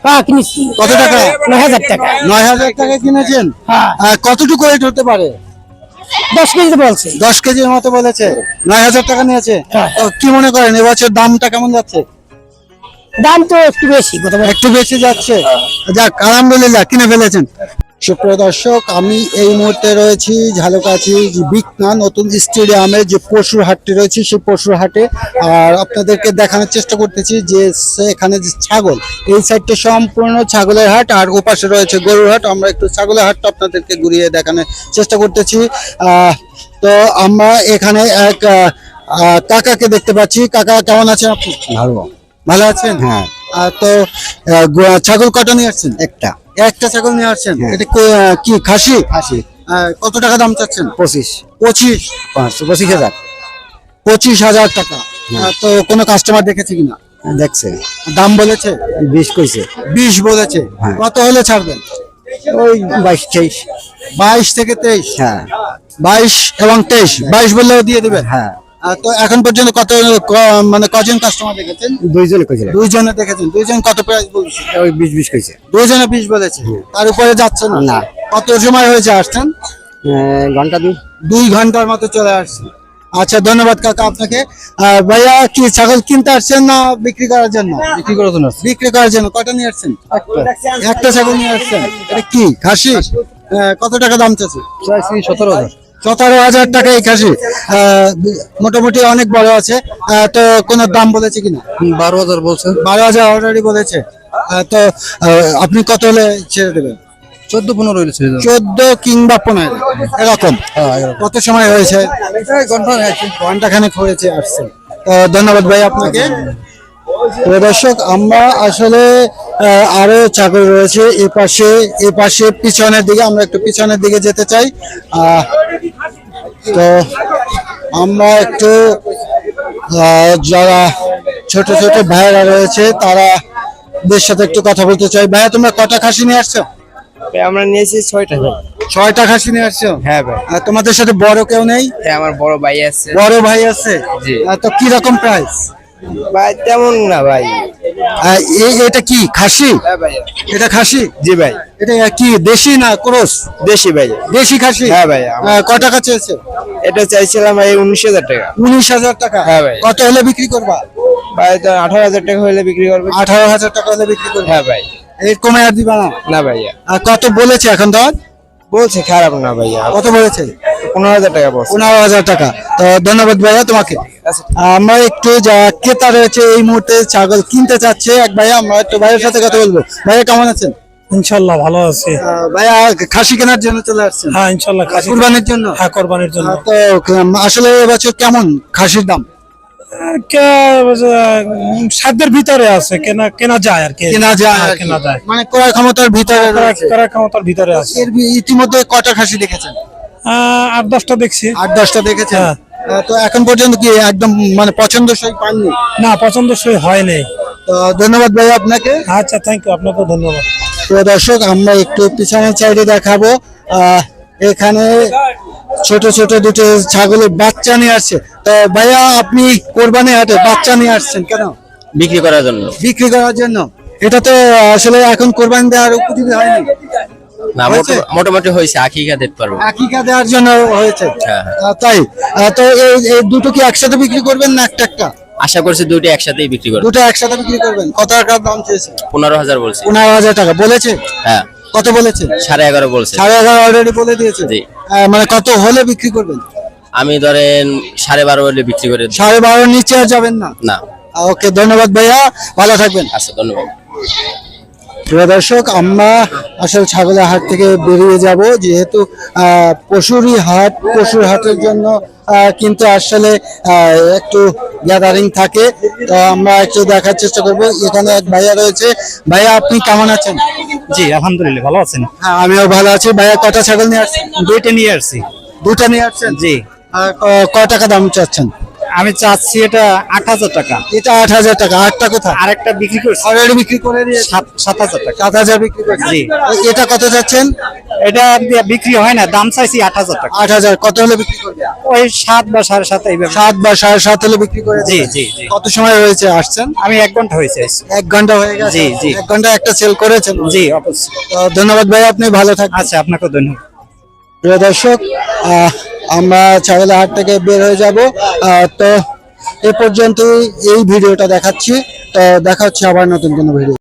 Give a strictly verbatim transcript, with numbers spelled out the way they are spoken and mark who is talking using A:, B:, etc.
A: হ্যাঁ কিনেছি।
B: কত টাকা?
A: নয় হাজার টাকা।
B: নয় হাজার টাকা কিনেছেন।
A: হ্যাঁ।
B: আহ, কতটুকু ওয়েট হতে পারে?
A: দশ কেজি বলছে।
B: দশ কেজির মতো বলেছে। নয় হাজার টাকা নিয়েছে।
A: হ্যাঁ।
B: তো কি মনে করেন এবছর দামটা কেমন যাচ্ছে?
A: দাম তো একটু বেশি কত বলে?
B: একটু বেশি যাচ্ছে। যাক আলহামদুলিল্লাহ কিনে ফেলেছেন। সুপ্রিয় দর্শক, আমি এই মুহূর্তে রয়েছি ঝালকাঠি বিকনা নতুন স্টেডিয়ামে যে পশুর হাটটি রয়েছে সেই পশুর হাটে। আর আপনাদেরকে দেখানোর চেষ্টা করতেছি যে এখানে যে ছাগল, এই সাইডটা সম্পূর্ণ ছাগলের হাট আর ওপাশে রয়েছে গরুর হাট। আমরা একটু ছাগলের হাটটা আপনাদেরকে ঘুরিয়ে দেখানোর চেষ্টা করতেছি। আহ তো আমরা এখানে এক আহ, আহ, কাকাকে দেখতে পাচ্ছি। কাকা কেমন আছেন আপনি?
C: ভালো।
B: ভালো আছেন?
C: হ্যাঁ।
B: আহ, তো আহ, গো- ছাগল কটা নিয়ে আসছেন?
C: একটা
B: একটা ছাগল নিয়ে আসছেন।
C: হ্যাঁ।
B: এটা কো- আহ, কি খাসি?
C: আশি
B: আহ, কত টাকা দাম চাচ্ছেন?
C: পঁচিশ
B: পঁচিশ
C: পাঁচশো পঁচিশ হাজার
B: পঁচিশ হাজার টাকা। আহ, তো কোনো কাস্টমার দেখেছে কিনা?
C: দেখছে।
B: দাম বলেছে?
C: বিশ কইছে।
B: বিশ বলেছে।
C: হ্যাঁ।
B: কত হলে ছাড়বেন?
C: ওই বাইশ তেইশ।
B: বাইশ থেকে তেইশ।
C: হ্যাঁ
B: বাইশ এবং তেইশ। বাইশ বললেও দিয়ে দিবেন?
C: হ্যাঁ।
B: আহ, তো এখন পর্যন্ত কত ক- মানে কজন কাস্টমার দেখেছেন?
C: দুইজনে কইছিল।
B: দুইজনে দেখেছেন। দুইজন কত প্রাইস বলছে?
C: ওই বিশ বিশ কইছে।
B: দুইজনে বিশ বলেছে। তার উপরে যাচ্ছে না?
C: না।
B: কত সময় হয়েছে আসছেন?
C: আহ, ঘন্টা দুই।
B: দুই ঘন্টার মতো চলে আসছে। আচ্ছা ধন্যবাদ কাকা আপনাকে। আহ, ভাইয়া কি ছাগল কিনতে আসছেন না বিক্রি করার জন্য?
C: বিক্রি করার জন্য।
B: বিক্রি করার জন্য। কয়টা নিয়ে আসছেন? একটা ছাগল নিয়ে আসছেন। এটা কি খাসি? আহ, কত টাকা দাম চাচ্ছে?
C: সতেরো হাজার।
B: সতেরো হাজার টাকা এই খাসি। আহ, মোটামুটি অনেক বড় আছে। আহ, তো কোন দাম বলেছে কিনা?
C: বারো হাজার বলছে।
B: বারো হাজার অলরেডি বলেছে। আহ, তো আহ, আপনি কত হলে ছেড়ে দেবেন?
C: চোদ্দ পনেরো হয়েছে।
B: চোদ্দ কিংবা পনেরো এরকম। কত সময় হয়েছে?
C: ঘন্টা
B: ঘন্টা খানেক হয়েছে আসছে। তো ধন্যবাদ ভাই আপনাকে। প্রিয় দর্শক, আমরা আসলে আহ, আরো ছাগল রয়েছে এ পাশে এ পাশে পিছনের দিকে। আমরা একটু পিছনের দিকে যেতে চাই। আহ, তো আমরা একটু আহ, যারা ছোট ছোট ভাইয়েরা রয়েছে তারা দের সাথে একটু কথা বলতে চাই। ভাইয়া তোমরা কটা খাসি নিয়ে আসছো?
D: আমরা নিয়েছি ছয়টা ভাই।
B: ছয়টা খাসি নিয়ে আসছো?
D: হ্যাঁ ভাই।
B: আর তোমাদের সাথে বড় কেউ নেই?
D: হ্যাঁ, আমার বড় ভাই আছে।
B: বড় ভাই আছে?
D: জি।
B: আহ, তো কি রকম প্রাইস?
D: ভাই তেমন না ভাই।
B: এটা কি খাসি?
D: হ্যাঁ ভাই।
B: এটা খাসি?
D: জি ভাই।
B: এটা কি দেশি না ক্রস?
D: দেশি ভাই।
B: দেশি খাসি?
D: হ্যাঁ ভাই।
B: আহ, ক টাকা চেয়েছে?
D: এটা চাইছিলাম ভাই উনিশ হাজার টাকা।
B: উনিশ হাজার টাকা?
D: হ্যাঁ ভাই।
B: কত হলে বিক্রি করবা?
D: ভাই তো আঠারো হাজার টাকা হলে বিক্রি করবে।
B: আঠারো হাজার টাকা হলে বিক্রি করবা?
D: হ্যাঁ ভাই।
B: এর কমে আর দিবা না?
D: না ভাইয়া।
B: আর কত বলেছে এখন দর?
D: বলছে খারাপ না ভাইয়া।
B: কত বলেছে?
D: পনেরো হাজার টাকা বলছে।
B: পনেরো হাজার টাকা। তো ধন্যবাদ ভাইয়া তোমাকে। আমরা একটু যা ক্রেতা রয়েছে এই মুহূর্তে ছাগল কিনতে চাচ্ছে এক ভাইয়া, আমরা একটু ভাইয়ের সাথে কথা বলবো। ভাইয়া কেমন আছেন?
E: ইনশাল্লাহ ভালো আছে।
B: আহ, ভাইয়া খাসি কেনার জন্য চলে আসছেন?
E: হ্যাঁ ইনশাল্লাহ খাসি
B: কুরবানির জন্য?
E: হ্যাঁ কোরবানির জন্য।
B: আহ, তো উম, আসলে এবছর কেমন খাসির দাম?
E: কে- উম, সাধ্যের ভিতরে আছে, কেনা কেনা যায় আর কি।
B: কেনা যায়
E: হ্যাঁ,
B: আর কি।
E: কেনা যায়।
B: মানে ক্রয় ক্ষমতার ভিতরে রয়েছে।
E: করার ক্ষমতার ভিতরে আছে।
B: এর ভি- ইতিমধ্যে কটা খাসি দেখেছেন?
E: আহ, আট দশটা দেখছি।
B: আট দশটা দেখেছেন?
E: হ্যাঁ।
B: আহ, তো এখন পর্যন্ত কি একদম মানে পছন্দসই পাননি?
E: না পছন্দসই হয় নাই।
B: তো ধন্যবাদ ভাই আপনাকে।
E: আচ্ছা থ্যাংক ইউ, আপনাকেও ধন্যবাদ।
B: তো দর্শক, আমরা একটু পিছনের সাইডে দেখাবো। আহ, এখানে ছোট ছোট দুটো ছাগলের বাচ্চা নিয়ে আসছে। তো ভাইয়া আপনি কোরবানি হাটে বাচ্চা নিয়ে আসছেন কেন?
D: বিক্রি করার জন্য।
B: বিক্রি করার জন্য? এটা তো আসলে এখন কোরবানি দেওয়ার উপযোগী হয়নি।
D: না
B: হয়েছে?
D: মোটামুটি হয়েছে, আকিকা দেখতে পারবো।
B: আকিকা দেওয়ার জন্য হয়েছে?
D: হ্যাঁ।
B: আহ, তাই? আহ, তো এই এই দুটো কি একসাথে বিক্রি করবেন না একটা একটা?
D: আশা করছি দুইটা একসাথেই বিক্রি করবো।
B: দুটো একসাথে বিক্রি করবেন। কত টাকার দাম চেয়েছে?
D: পনেরো হাজার বলছি।
B: পনেরো হাজার টাকা বলেছে?
D: হ্যাঁ।
B: কত বলেছে?
D: সাড়ে এগারো বলছে।
B: সাড়ে এগারো অলরেডি বলে দিয়েছে?
D: জি।
B: আহ, মানে কত হলে বিক্রি করবেন?
D: আমি ধরেন সাড়ে বারো হলে বিক্রি করে দিই।
B: সাড়ে বারোর নিচে আর যাবেন না?
D: না।
B: ওকে ধন্যবাদ ভাইয়া, ভালো থাকবেন।
D: আচ্ছা ধন্যবাদ।
B: প্রিয় দর্শক, আমরা আসলে ছাগলের হাট থেকে বেরিয়ে যাব, যেহেতু আহ, পশুরই হাট। পশুর হাটের জন্য আহ, কিন্তু আসলে আহ, একটু গ্যাদারিং থাকে। তো আমরা একটু দেখার চেষ্টা করব। এখানে এক ভাইয়া রয়েছে। ভাইয়া আপনি কেমন আছেন?
E: জি আলহামদুলিল্লাহ ভালো আছেন।
B: হ্যাঁ আমিও ভালো আছি। ভাইয়া কটা ছাগল নিয়ে আসছেন?
E: দুইটা নিয়ে আসছি।
B: দুটা নিয়ে আসছেন?
E: জি।
B: আর ক- কয় টাকা দাম চাচ্ছেন?
E: আমি চাচ্ছি এটা আট হাজার টাকা
B: এটা আট হাজার টাকা, আটটা কোথায়?
E: আর একটা বিক্রি করছি
B: অলরেডি বিক্রি করে দিয়েছে,
E: সাত সাত হাজার টাকা।
B: সাত হাজার বিক্রি করেছে।
E: জি।
B: এটা কত যাচ্ছেন?
E: এটা দিয়ে বিক্রি হয় না, দাম চাইছি আট হাজার টাকা।
B: আট হাজার কত হলে বিক্রি করবে?
E: ওই সাত বা সাড়ে সাত এইভাবে।
B: সাত বা সাড়ে সাত হলে বিক্রি করে
E: জি,
B: দেবেন?
E: জি, জি।
B: কত সময় হয়েছে আসছেন?
E: আমি এক ঘন্টা হয়েছে।
B: এক ঘন্টা হয়ে গেছে।
E: জি, জি।
B: এক ঘন্টা একটা সেল করেছেন?
E: জি অবশ্যই।
B: তো ধন্যবাদ ভাই, আপনি ভালো থাকবেন।
E: আচ্ছা, আপনাকেও ধন্যবাদ।
B: প্রিয় দর্শক, আহ, আমরা ছাগলের হাট থেকে বের হয়ে যাব। আহ, তো এ পর্যন্তই এই ভিডিওটা দেখাচ্ছি। তো দেখা হচ্ছে আবার নতুন কোনো ভিডিও।